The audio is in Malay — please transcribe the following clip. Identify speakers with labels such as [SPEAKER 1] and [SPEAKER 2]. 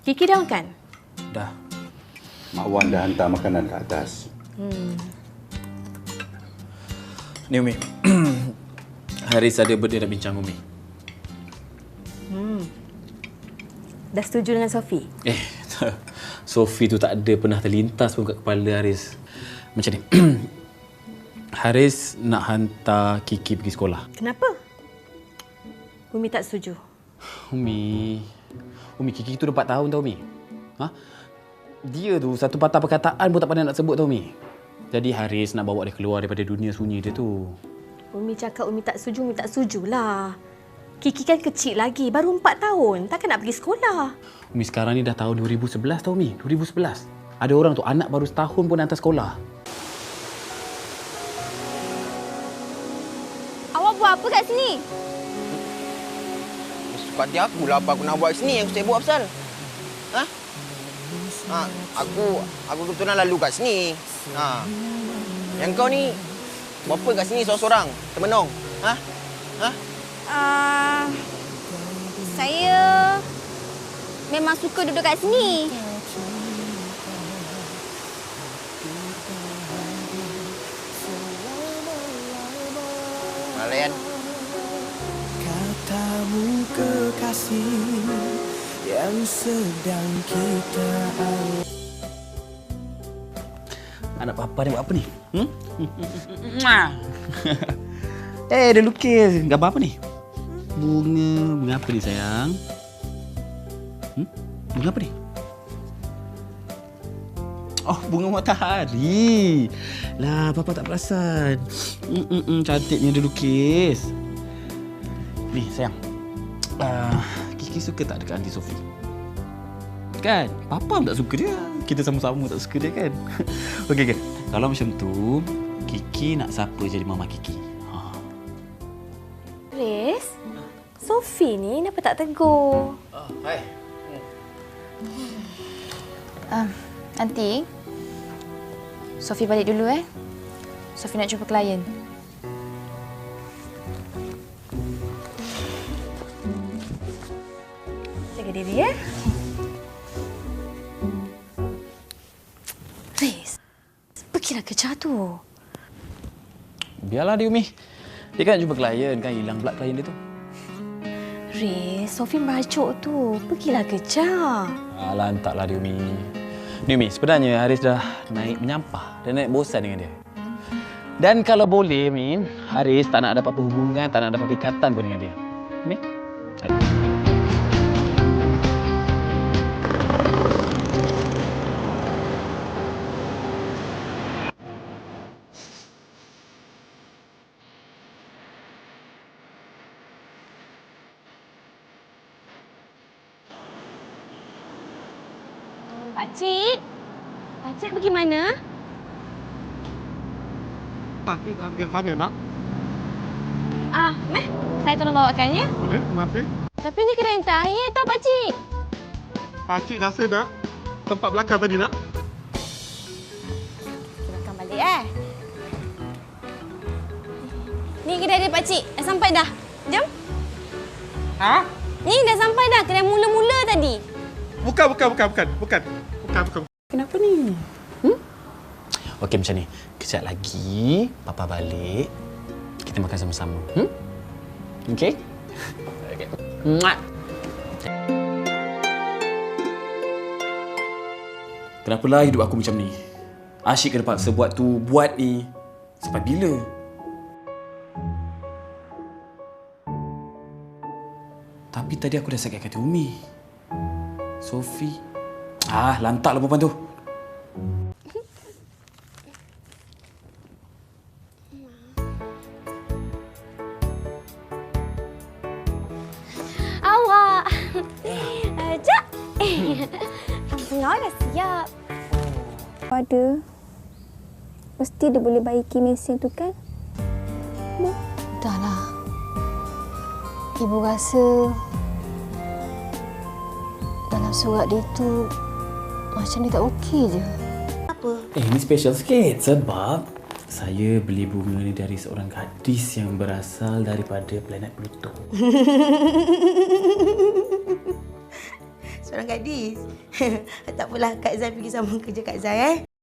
[SPEAKER 1] Kiki dah makan?
[SPEAKER 2] Dah. Mak Wan dah hantar makanan ke atas.
[SPEAKER 3] Ni Umi. Haris ada benda nak bincang Umi.
[SPEAKER 1] Dah setuju dengan Sophie?
[SPEAKER 3] Sophie tu tak ada pernah terlintas pun kat kepala Haris. Macam ni. Haris nak hantar Kiki pergi sekolah.
[SPEAKER 1] Kenapa? Umi tak setuju.
[SPEAKER 3] Umi, Kiki tu dah 4 tahun tau Umi. Ha? Dia tu satu patah perkataan pun tak pandai nak sebut tau Umi. Jadi Haris nak bawa dia keluar daripada dunia sunyi dia tu.
[SPEAKER 1] Umi cakap Umi tak setujulah. Kiki kan kecil lagi, baru 4 tahun. Takkan nak pergi sekolah.
[SPEAKER 3] Umi sekarang ni dah tahun 2011 tau Umi. 2011. Ada orang tu anak baru setahun pun hantar sekolah.
[SPEAKER 4] Awak buat apa kat sini?
[SPEAKER 5] Suka hati aku lah apa aku nak buat kat sini yang aku tak buat pasal. Ha? Aku kebetulan lalu kat sini. Yang kau ni buat apa kat sini seorang-seorang? Termenung.
[SPEAKER 4] Saya memang suka duduk kat sini.
[SPEAKER 5] Malayan.
[SPEAKER 6] Katamu kekasih yang sedang kita alami.
[SPEAKER 3] Anak papa ni buat apa ni? Dia lukis. Gambar apa ni? Bunga apa ni sayang? Bunga apa ni? Oh, bunga matahari. Lah, papa tak perasan. Cantiknya dia lukis. Ni sayang. Kiki suka tak dekat Aunty Sophie? Kan? Papa pun tak suka dia. Kita sama-sama tak suka dia kan? Okey. Kalau macam tu, Kiki nak siapa jadi mama Kiki?
[SPEAKER 1] Haris, Sophie ni kenapa tak tegur?
[SPEAKER 3] Hai.
[SPEAKER 4] Aunty, Sophie balik dulu Sophie nak jumpa klien.
[SPEAKER 1] Jaga diri ya. Haris, pergilah kerja tu.
[SPEAKER 3] Biarlah dia Umi. Dia kan jumpa klien, kan hilang pula klien dia tu.
[SPEAKER 1] Haris, Sophie meracuk tu. Pergilah kerja.
[SPEAKER 3] Alah, entahlah dia Umi. Ni Umi, sebenarnya Haris dah naik menyampah. Dah naik bosan dengan dia. Dan kalau boleh Umi, Haris tak nak dapat hubungan, tak nak dapat ikatan pun dengan dia. Umi?
[SPEAKER 4] Pakcik pergi mana?
[SPEAKER 6] Pakcik ambil mana nak?
[SPEAKER 4] Saya tolong bawakan ya.
[SPEAKER 6] Boleh, kenapa?
[SPEAKER 4] Tapi ni kedai yang terakhir tau pakcik.
[SPEAKER 6] Pakcik rasa dah tempat belakang tadi nak?
[SPEAKER 4] Belakang balik Ni kedai dia pakcik. Dah sampai dah. Jom.
[SPEAKER 6] Ha?
[SPEAKER 4] Ni dah sampai dah. Kedai mula-mula tadi.
[SPEAKER 6] Bukan.
[SPEAKER 3] Kenapa ni? Okey, macam ni. Kejap lagi, Papa balik. Kita makan sama-sama. Okey? Okey. Muak. Kenapalah hidup aku macam ni? Asyik kena paksa buat tu, buat ni. Sampai bila? Tapi tadi aku dah sakit hati Umi. Sophie. Lantaklah perempuan tu.
[SPEAKER 4] Awak. Jap. Tengah dah siap.
[SPEAKER 7] Ada. Mesti dia boleh baiki mesin tu kan?
[SPEAKER 4] Dahlah. Ibu rasa dalam surat dia tu macam dia tak okey je.
[SPEAKER 1] Apa?
[SPEAKER 3] Ini special sikit sebab saya beli bunga ni dari seorang gadis yang berasal daripada planet Pluto.
[SPEAKER 8] seorang gadis. Tak apalah, Kak Zai pergi sambung kerja Kak Zai